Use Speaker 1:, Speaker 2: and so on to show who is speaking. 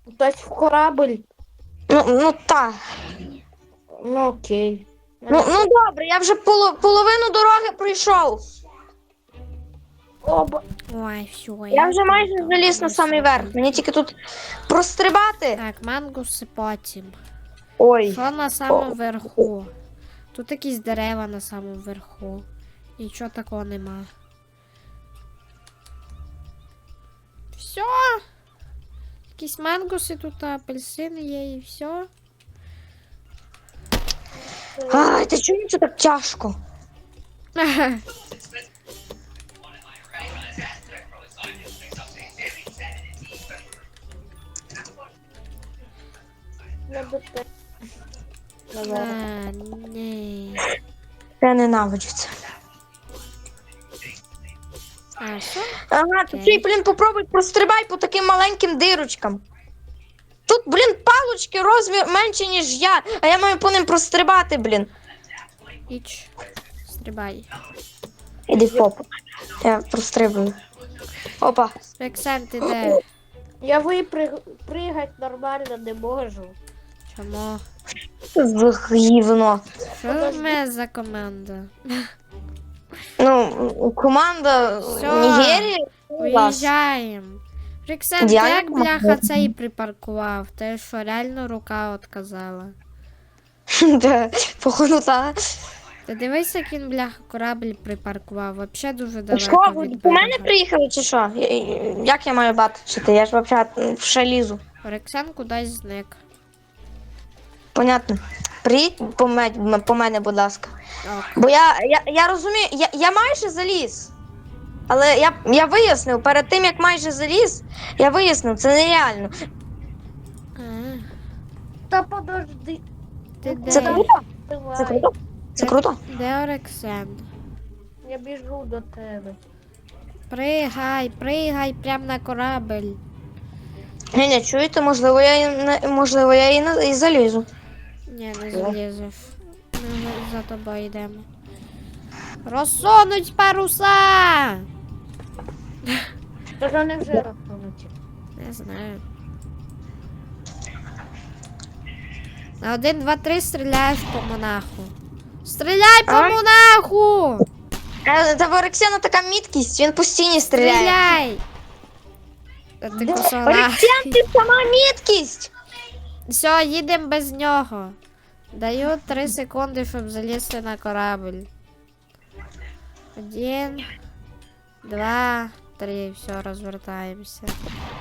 Speaker 1: Тобто в корабль?
Speaker 2: Ну так.
Speaker 1: Ну окей.
Speaker 2: Ну добре, я вже половину дороги пройшов.
Speaker 1: Оба.
Speaker 3: Ой, все,
Speaker 2: Я вже майже
Speaker 3: тут
Speaker 2: заліз на самий верх. Мені тільки тут прострибати.
Speaker 3: Так, мангуси потім.
Speaker 2: Ой.
Speaker 3: Що на самому верху? Тут якісь дерева на самому верху. Нічого такого нема. Все. Якісь мангуси тут, апельсини є і все.
Speaker 2: Ай, ти чому це так тяжко?
Speaker 1: Я до тебе.
Speaker 3: Ні.
Speaker 2: Я ненавиджу це.
Speaker 3: А, що?
Speaker 2: Ага, ти
Speaker 3: Окей.
Speaker 2: блін, попробуй прострибай по таким маленьким дирочкам. Тут, блін, палочки розмір менше, ніж я, а я маю по ним прострибати, блін.
Speaker 3: Іч. Стрибай.
Speaker 2: Іди в попу. Я прострибую. Опа.
Speaker 3: Рексен, ти де?
Speaker 1: Я пригать нормально не можу.
Speaker 3: Чому?
Speaker 2: Гівно.
Speaker 3: Що в мене за команда?
Speaker 2: Ну, команда
Speaker 3: Всё.
Speaker 2: Нігерії.
Speaker 3: Уїжджаємо. Рексен, ти
Speaker 2: Діана
Speaker 3: як бляха
Speaker 2: команда.
Speaker 3: цей припаркував? Ти що, реально рука отказала?
Speaker 2: Походу, так.
Speaker 3: Ти дивись, як він бляха корабль припаркував. Вообще дуже далеко
Speaker 2: Що, ви
Speaker 3: від
Speaker 2: по мене
Speaker 3: берега.
Speaker 2: приїхали чи що? Як я маю бачити? Я ж взагалі в шалізу.
Speaker 3: Рексен кудись зник.
Speaker 2: Понятно. Приїдь по мене, будь ласка.
Speaker 3: Ок.
Speaker 2: Бо я розумію, я майже заліз. Але я вияснив, перед тим як майже заліз, я вияснив, це нереально.
Speaker 3: А,
Speaker 1: Та подожди.
Speaker 3: ти
Speaker 2: Це
Speaker 3: де?
Speaker 2: круто? Це
Speaker 1: Давай.
Speaker 2: круто? Це круто?
Speaker 3: Де Рексен?
Speaker 1: Я біжу до тебе.
Speaker 3: Пригай, пригай прямо на корабль.
Speaker 2: Ні, чуєте, можливо, я і залізу.
Speaker 3: Ні, не залізеш. Ми за тобою йдемо. Розсунуть паруса!
Speaker 1: Та ж вони вже розсунуті.
Speaker 3: Не знаю. На 1, 2, 3 стріляєш по монаху. Стріляй по
Speaker 2: Ай.
Speaker 3: монаху!
Speaker 2: Та в Орексіана така міткість, він постійно стріляє.
Speaker 3: Стріляй! Та ти косона.
Speaker 2: Орексіан, ти сама міткість!
Speaker 3: Все, їдемо без нього. Даю 3 секунди, щоб залізти на корабль. 1, 2, 3. Все, розвертаємося.